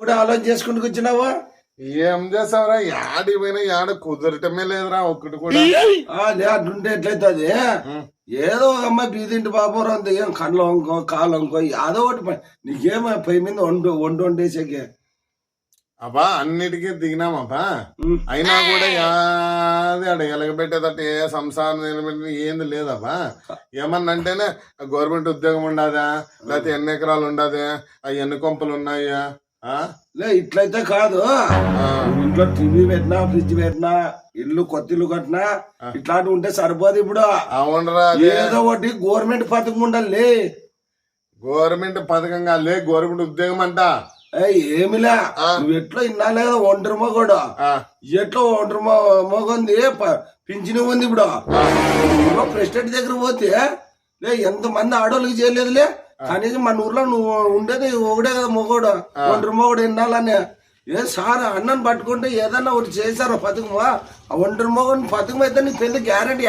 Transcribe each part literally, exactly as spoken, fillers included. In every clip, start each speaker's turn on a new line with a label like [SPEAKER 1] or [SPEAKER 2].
[SPEAKER 1] ఇప్పుడు ఆలోచన చేసుకుంటూ కూర్చున్నావా?
[SPEAKER 2] ఏం చేస్తావురా? యాడి పోయినా యాడ కుదరటమే లేదురా ఒక్కటి కూడా.
[SPEAKER 1] లే అట్లుంటే ఎట్లయితుంది? ఏదో ఒక అమ్మాయి బీదింటి బాబు అంత ఏం కళ్ళు వంకో కాలు వంకో ఏదో ఒకటి నీకేమో పై మీద వండు వండు వండేసేకే.
[SPEAKER 2] అబ్బా అన్నిటికీ దిగినామబ్బా, అయినా కూడా యాది ఆడ ఎలగబెట్టేదట ఏ సంసారం నిలబెట్టి ఏంది లేదబ్బా. ఏమన్నా అంటేనే గవర్నమెంట్ ఉద్యోగం ఉండదా, లేకపోతే ఎన్ని ఎకరాలు ఉండదు, ఆ ఎన్ని కొంపలు ఉన్నాయా?
[SPEAKER 1] లే ఇట్లయితే కాదు, ఇంట్లో టీవీ పెట్టినా ఫ్రిడ్జ్ పెట్టినా ఇల్లు కొత్త ఇల్లు కట్టినా ఇట్లాంటివి ఉంటే సరిపోదు. ఇప్పుడు
[SPEAKER 2] అవునరా,
[SPEAKER 1] ఏదో ఒకటి గవర్నమెంట్ పథకం ఉండాలి.
[SPEAKER 2] గవర్నమెంట్ పథకంగా లే, గవర్నమెంట్ ఉద్యోగం అంట
[SPEAKER 1] ఏమిలే. నువ్వు ఎట్లా ఇన్నా లేదా ఒంటరి మగోడు, ఎట్లా ఒంటరి మగంది పింఛను ఉంది. ఇప్పుడు ప్రెసిడెంట్ దగ్గర పోతే లే ఎంత మంది ఆడోళ్ళకి చేయలేదులే, కనీసం మన ఊర్లో నువ్వు ఉండేది ఒకడే కదా మొగోడు, ఒంటరి మొగోడు వినాలని. ఏ సార్ అన్నను పట్టుకుంటే ఏదన్నా ఒకటి చేశారు పథకమా? ఒంటరి మొగని పథకం అయితే నీ పెళ్లి గ్యారంటీ.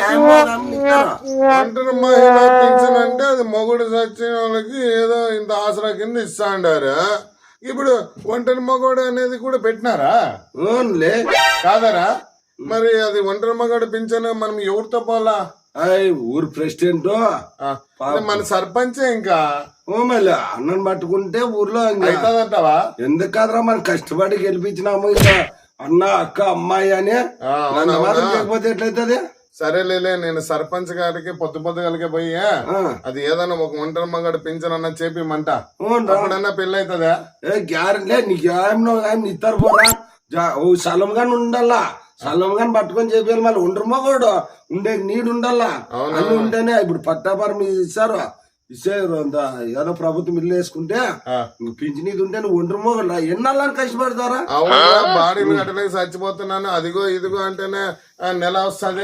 [SPEAKER 2] ఒంటరి మహిళ పింఛన్ అంటే అది మొగుడు చచ్చిన వాళ్ళకి ఏదో ఇంత ఆసరా కింద ఇస్తా అంటారు. ఇప్పుడు ఒంటరి మగోడు అనేది కూడా పెట్టినారా? కాదరా, మరి అది ఒంటరి మగోడు పింఛన్ మనం ఎవరితో పోలా?
[SPEAKER 1] ఊరు ప్రెసిడెంట్
[SPEAKER 2] మన సర్పంచే. ఇంకా
[SPEAKER 1] మళ్ళీ అన్నం పట్టుకుంటే ఊర్లో
[SPEAKER 2] అవుతుందంటావా?
[SPEAKER 1] ఎందుకు కాదురా, మనం కష్టపడి గెలిపించినాము ఇంకా అన్న అక్క అమ్మాయి అని. లేకపోతే ఎట్లయితుంది?
[SPEAKER 2] సరేలే, నేను సర్పంచ్ గారికి పొద్దు పొద్దుగలకే పోయి అది ఏదన్నా ఒక ఒంటరి మగడు పింఛన్ అన్న చేపిమంట, అప్పుడన్నా పెళ్లి అవుతుందా?
[SPEAKER 1] ఏ గ్యారెంటీ నీకు ఏమో ఇస్తారు పోరా. స్థలం గాని ఉండాలా, స్థలం గాని పట్టుకొని చెప్పాలి. మళ్ళీ ఒంటరి మగోడు ఉండే నీడు ఉండాలా, అన్ని ఉంటేనే. ఇప్పుడు పట్టాపరం ఇస్తారు, ఇచ్చారు అంత ఏదో ప్రభుత్వం ఇల్లు వేసుకుంటే పింఛన్ ఇది ఉంటే నువ్వు ఒంటరి మోగలా ఎన్నాళ్ళని కష్టపడతారా?
[SPEAKER 2] బాడీలు గట్టలేక చచ్చిపోతున్నాను అదిగో ఇదిగో అంటేనే నెల వస్తుంది.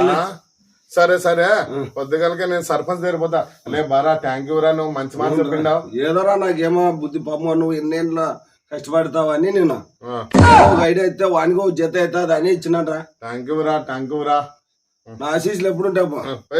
[SPEAKER 2] సరే సరే, పొద్దుగలకే నేను సర్పంచ్ దగ్గర లే బారా. థ్యాంక్ యూ రా, నువ్వు మంచి మాట చెప్పిండావు.
[SPEAKER 1] ఏదోరా నాకేమో బుద్ధి పాప నువ్వు ఎన్నేళ్ళ కష్టపడతావని నేను ఐడియా అయితే వానికి ఒక జత అవుతుంది అని ఇచ్చినట్రా.
[SPEAKER 2] థ్యాంక్ యూ రా, థ్యాంక్ యూ రా.
[SPEAKER 1] నా ఆశీస్సులు ఎప్పుడు ఉంటావు?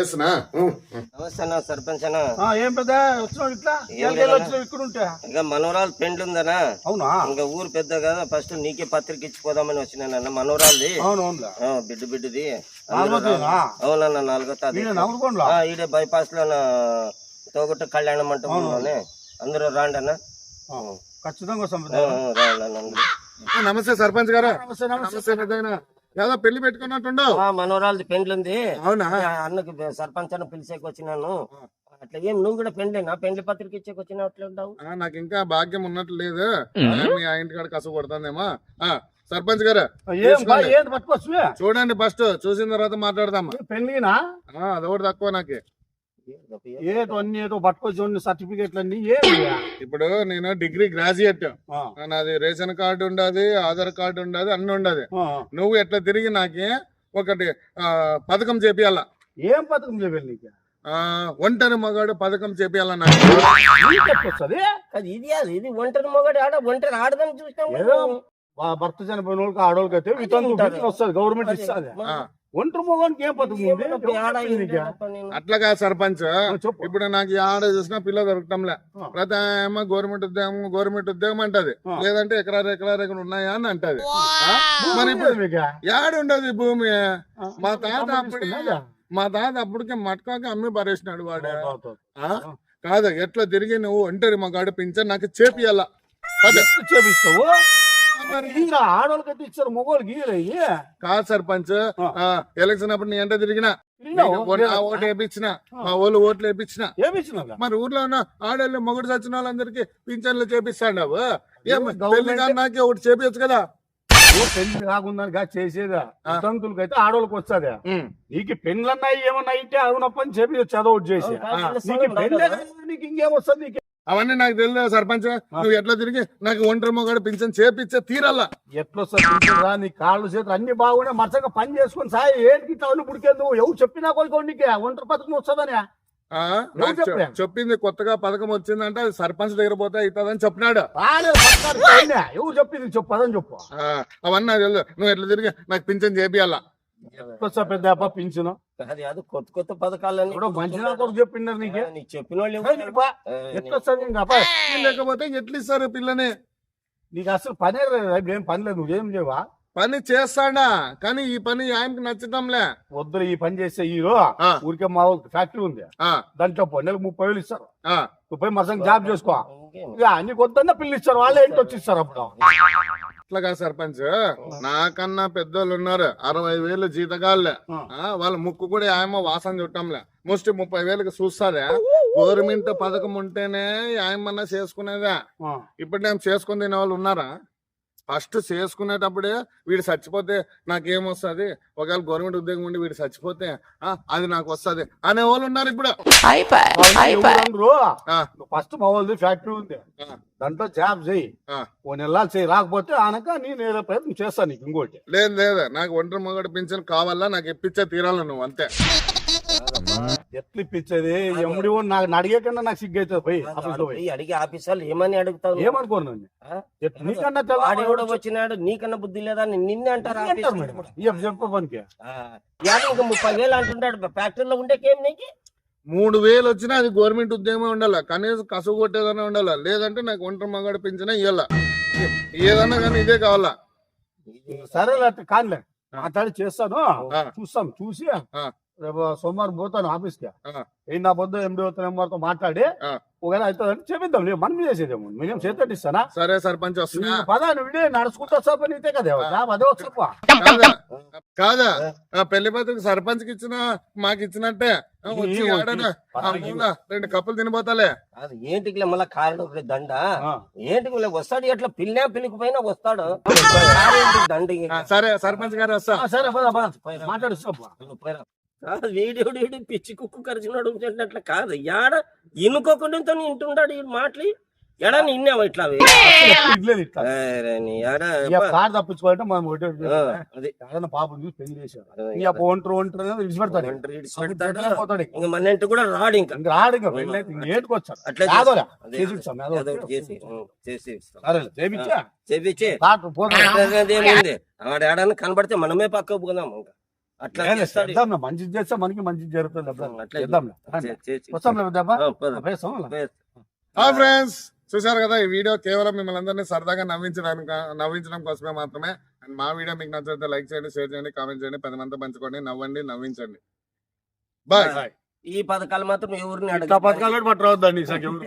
[SPEAKER 3] సర్పంచ్
[SPEAKER 4] ఏం పెద్ద ఇట్లా ఇక్కడ ఉంటా
[SPEAKER 3] ఇంకా మనవరాలు పెండ్లు ఉందనా?
[SPEAKER 4] అవునా?
[SPEAKER 3] ఇంకా ఊరు పెద్ద కదా, ఫస్ట్ నీకే పత్రిక ఇచ్చిపోదామని వచ్చినానన్న. మనవరాలది బిడ్డ బిడ్డది. అవునన్నా, నాలుగో తారీఖు ఈడే బైపాస్ లో తోగొట్ట కళ్యాణ మంటపంలోనే. అందరూ రాండి అన్న,
[SPEAKER 4] ఖచ్చితంగా.
[SPEAKER 2] నమస్తే సర్పంచ్ గారు. నమస్తే. ఏదో పెళ్లి పెట్టుకున్నట్టుండవు?
[SPEAKER 3] మనోరాలది పెండ్లుంది.
[SPEAKER 2] అవునా?
[SPEAKER 3] అన్నకు సర్పంచ్ అన్న పిలిచేకి వచ్చినాను. అట్లా ఏం నువ్వు కూడా పెండ్లేనా? పెండ్లి పత్రిక ఇచ్చేకి వచ్చినట్లుంటావు.
[SPEAKER 2] నాకు ఇంకా భాగ్యం ఉన్నట్లు లేదు, మీ ఆ ఇంటి కాడ కసు కొడుతుందేమో. సర్పంచ్ గారు చూడండి, ఫస్ట్ చూసిన తర్వాత మాట్లాడదామా.
[SPEAKER 4] పెళ్లినా
[SPEAKER 2] అదొకటి తక్కువ నాకు.
[SPEAKER 4] ఏదో అన్ని ఏదో పట్టుకొచ్చి సర్టిఫికేట్లు అన్ని.
[SPEAKER 2] ఇప్పుడు నేను డిగ్రీ గ్రాడ్యుయేట్, నాది రేషన్ కార్డు ఉండదు, ఆధార్ కార్డు ఉండదు, అన్ని ఉండదు. నువ్వు ఎట్లా తిరిగి నాకే ఒకటి పథకం చేపియాల.
[SPEAKER 4] ఏం పథకం చేయాలి నీకు?
[SPEAKER 2] ఒంటరి మగాడు పథకం చేపియాల.
[SPEAKER 3] ఇది ఇది ఒంటరి మగాడు ఆడ ఒంటరి ఆడదని చూస్తాం.
[SPEAKER 4] భర్త చనిపోయిన వాళ్ళకి ఆడవాళ్ళకి అయితే వితంతు వస్తుంది, గవర్నమెంట్ ఇస్తుంది. ఒంటరి మగానికి ఏం పథకం?
[SPEAKER 2] అట్లాగా సర్పంచ్. ఇప్పుడు నాకు ఆడ చూసినా పిల్ల దొరకటంలే. ప్రతి ఏమో గవర్నమెంట్ ఉద్యోగం గవర్నమెంట్ ఉద్యోగం అంటది, లేదంటే ఎకరాలు ఎకరాలు ఎక్కడ ఉన్నాయా అని అంటది. మరి ఇప్పుడు యాడ ఉండదు భూమి. మా తాత అప్పుడు మా తాత అప్పటికే మట్కాక అమ్మి పరేసినాడు వాడు. కాదు, ఎట్లా తిరిగి నువ్వు ఒంటరి మగాడు పింఛన్ నాకు చేపియాల.
[SPEAKER 4] చేపిస్తావు? ఆడవాళ్ళకైతే ఇచ్చారు, మగవాళ్ళకి
[SPEAKER 2] కాదు సర్పంచ్. ఎలక్షన్ అప్పుడు నీ ఎంత తిరిగినా ఓటు వేయించిన, మా వాళ్ళు ఓట్లు వేయించిన. మరి ఊర్లో ఉన్న ఆడవాళ్ళు మొగుడు చచ్చిన వాళ్ళందరికీ పింఛన్లు చేపిస్తాండావు. పెళ్లి కానీ నాకే ఒకటి చేపించచ్చు కదా.
[SPEAKER 4] పెళ్లి కాకుండా చేసేదా వితంతులకి అయితే ఆడవాళ్ళకి వస్తుంది. నీకు పెళ్ళన్నాయి ఏమన్నా అయితే అవునప్పని చెప్పి చదవటి చేసి నీకు ఇంకేమొస్తుంది? నీకు
[SPEAKER 2] అవన్నీ నాకు తెలియదు సర్పంచ్. నువ్వు ఎట్లా తిరిగి నాకు ఒంటరి మొగాడు పింఛన్ చేపిచ్చే తీరాలా.
[SPEAKER 4] ఎట్లా నీ కాళ్ళు చేతులు అన్ని బాగుండే మచ్చగా పని చేసుకుని సాయి ఏంటి ఇట్లా పుడికేందు ఎవరు చెప్పినా కొడుకో నీకు ఒంటరి పథకం వస్తుందని
[SPEAKER 2] చెప్పింది. కొత్తగా పథకం వచ్చిందంటే అది సర్పంచ్ దగ్గర పోతే అవుతుందని చెప్పినాడు.
[SPEAKER 4] ఎవరు చెప్పింది చెప్పదని చెప్పు.
[SPEAKER 2] అవన్నీ నాకు తెలియదు. నువ్వు ఎట్లా తిరిగి నాకు పింఛన్ చేపియాలా.
[SPEAKER 4] పెద్ద పింఛను
[SPEAKER 3] అది కొత్త కొత్త పథకాలన్నీ
[SPEAKER 4] మంచి చెప్పిండారు నీకు.
[SPEAKER 3] నీకు చెప్పిన వాళ్ళు
[SPEAKER 4] ఎట్లా
[SPEAKER 2] లేకపోతే ఎట్లా ఇస్తారు పిల్లని?
[SPEAKER 4] నీకు అసలు పనే రేపు ఏం పని లేదు నువ్వేం చేయవా
[SPEAKER 2] పని చేస్తాడా కానీ ఈ పని ఆయనకి నచ్చటంలే.
[SPEAKER 4] వద్దురు ఈ పని చేసే హీరో
[SPEAKER 2] ఆ.
[SPEAKER 4] ఊరికే మా ఫ్యాక్టరీ ఉంది
[SPEAKER 2] ఆ,
[SPEAKER 4] దాంట్లో పో నెలకు ముప్పై వేలు ఇస్తారు
[SPEAKER 2] ఆ.
[SPEAKER 4] నువ్వు పోయి మసం జాబ్ చేసుకో
[SPEAKER 3] ఇంకేం?
[SPEAKER 4] ఇక నీకు వద్దన్న పిల్లి ఇస్తారు వాళ్ళే ఇంటి వచ్చి ఇస్తారు అప్పుడు
[SPEAKER 2] అట్లాగా సర్పంచ్, నాకన్నా పెద్దోళ్ళు ఉన్నారు అరవై వేలు జీతగాళ్ళే. ఆ, వాళ్ళ ముక్కు కూడా ఆయమ్మ వాసన చుట్టంలే. ముష్టి ముప్పై వేలకు చూస్తారే. గవర్నమెంట్ పథకం ఉంటేనే ఆయమ్మన్నా చేసుకునేదే.
[SPEAKER 4] ఆ.
[SPEAKER 2] ఇప్పుడు నేను చేసుకుని తినే వాళ్ళు ఉన్నారా? ఫస్ట్ చేసుకునేటప్పుడే వీడు చచ్చిపోతే నాకేమొస్తుంది, ఒకవేళ గవర్నమెంట్ ఉద్యోగం ఉండి వీడు చచ్చిపోతే ఆ, అది నాకు వస్తుంది అనే వాళ్ళు ఉన్నారు ఇప్పుడు. ఆ,
[SPEAKER 4] ఫస్ట్ మా వాళ్ళది ఫ్యాక్టరీ ఉంది
[SPEAKER 2] ఆ,
[SPEAKER 4] దాంట్లో జాబ్ చేయి
[SPEAKER 2] ఆ.
[SPEAKER 4] ఓ నెలలు చేయి రాకపోతే ఆనక నేను ఏదో ప్రయత్నం చేస్తాను నీకు ఇంకోటి
[SPEAKER 2] లేదు లేదు, నాకు ఒంటరి మగడు పింఛన్ కావాలా, నాకు ఇప్పించే తీరాలి నువ్వు అంతే.
[SPEAKER 4] ఎట్లు ఇప్పించేది ఎమ్ముడి నాకు అడిగేకన్నా నాకు సిగ్గు అవుతుంది పోయి ఆఫీస్ లో పోయి
[SPEAKER 3] పోయి అడిగి ఆఫీసర్లు ఏమని అడుగుతావు?
[SPEAKER 4] ఏమనుకోను నన్ను.
[SPEAKER 3] ఆ?
[SPEAKER 4] ఎట్లా నీకన్నా
[SPEAKER 3] వాడెవడో వచ్చినాడు నీకన్నా బుద్ధి లేదా అని నిన్నే అంటారు ఆఫీసర్లు.
[SPEAKER 4] చెప్ప పనికి
[SPEAKER 3] ఆ, యాడ ఇంకా ముప్పై వేలు అంటున్నాడు ఫ్యాక్టరీలో ఉండేకేం నీకు?
[SPEAKER 2] మూడు వేలు వచ్చినా అది గవర్నమెంట్ ఉద్యోగమే ఉండాలా, కనీసం కసువు కొట్టేదన్నా ఉండాలా, లేదంటే నాకు ఒంటరి మగడు పింఛనే ఇవ్వాల. ఏదన్నా కానీ ఇదే కావాలా.
[SPEAKER 4] సరే అట్లా కానిలే మాట్లాడి చేస్తాను
[SPEAKER 2] ఆ.
[SPEAKER 4] చూస్తాం చూసి
[SPEAKER 2] ఆ.
[SPEAKER 4] రేపు సోమవారం పోతాను ఆఫీస్ కి
[SPEAKER 2] ఆ.
[SPEAKER 4] ఏ నా పొద్దు ఎండి నెంబర్తో మాట్లాడి
[SPEAKER 2] ఆ.
[SPEAKER 4] ఒకవేళ అవుతుందని చెప్పిద్దాం లేదు మనం చేసేదేమో మేము చేతట్టు ఇస్తానా
[SPEAKER 2] సరే సర్పంచ్ వస్తున్నా.
[SPEAKER 4] పదా నువ్వు నడుచుకుంటా సార్ పని ఇదే కదా జాబ్ అదే వచ్చప్ప
[SPEAKER 2] కాదా కాదా ఆ పెళ్లి పత్రిక సర్పంచ్ కి ఇచ్చిన మాకు ఇచ్చినట్టే ఆ, వచ్చి
[SPEAKER 4] ఈ-
[SPEAKER 2] ఆడనా ఆ మూల రెండు కప్పులు తినిపోతాలే.
[SPEAKER 3] అది ఏంటికి మళ్ళీ కారణం ఒకటి దండ
[SPEAKER 4] ఆ.
[SPEAKER 3] ఏంటికి మళ్ళీ వస్తాడు ఎట్లా పిల్లినా పిల్లికిపోయినా వస్తాడు కారేంటి దండ
[SPEAKER 2] ఆ, సరే సర్పంచ్ గారు వస్తా.
[SPEAKER 4] ఆ, సరే పద పద మాట్లాడిస్తాప్ప
[SPEAKER 3] వీడియోడు వీడు పిచ్చి కుక్కు కరిచినాడు అట్లా కాదు యాడ ఇనుకోకుండా ఇంటుంటాడు ఈ మాటలు ఎడ నిన్నావు ఇట్లా అవి?
[SPEAKER 4] ఇట్లేదు ఇట్లా
[SPEAKER 3] అరే నీ యాడ
[SPEAKER 4] ఇక కార్ తప్పించుకోవాలంటే మనం ఒకటే
[SPEAKER 3] ఆ, అది
[SPEAKER 4] ఏదైనా పాపం చూసి పెళ్లి చేశారు ఇక ఒంటరి ఒంటరి అనేది విడిచిపెడతాడు
[SPEAKER 3] ఒంటరి ఇడిచిపెడతాడు.
[SPEAKER 4] పోతాడు ఇక.
[SPEAKER 3] ఇంక మన ఇంటి కూడా రాడు ఇంకా
[SPEAKER 4] ఇంక రాడు ఇంకా పెళ్లి అయితే ఇంక ఏటుకొచ్చాడు
[SPEAKER 3] అట్లా
[SPEAKER 4] కాదోరా
[SPEAKER 3] అదే.
[SPEAKER 4] చేసి ఇస్తాం, ఏదో
[SPEAKER 3] ఏదో
[SPEAKER 4] ఒకటి.
[SPEAKER 3] ఒకటి చేసి ఉం, చేసి ఇస్తాం.
[SPEAKER 4] సరే చేపించా
[SPEAKER 3] చేపించి
[SPEAKER 4] కాటు పోతాడు
[SPEAKER 3] అదేముంది ఆడ ఏడన్నా కనబడితే మనమే పక్క పోదాం ఇంకా అట్లా చేస్తాడు.
[SPEAKER 4] చేద్దాం మంచిది చేస్తే మనకి మంచిది జరుగుతుంది అబ్బా.
[SPEAKER 3] అట్లా
[SPEAKER 4] చేద్దాం
[SPEAKER 3] చే- చేసి
[SPEAKER 4] వస్తాం లేదబ్బా
[SPEAKER 3] ఆ, పద. పద.
[SPEAKER 2] హాయ్ ఫ్రెండ్స్, చూసారు కదా ఈ వీడియో కేవలం మిమ్మల్ని అందరినీ సరదాగా నవ్వించడానికి నవ్వించడం కోసమే మాత్రమే. అండ్ మా వీడియో మీకు నచ్చితే లైక్ చేయండి, షేర్ చేయండి, కామెంట్ చేయండి, పది మంది పంచుకోండి, నవ్వండి, నవ్వించండి. బాయ్.
[SPEAKER 3] ఈ పథకాలు మాత్రం ఎవరిని
[SPEAKER 4] ఇట్లా
[SPEAKER 3] అడగ
[SPEAKER 4] పథకాలు పట్టరావద్దండి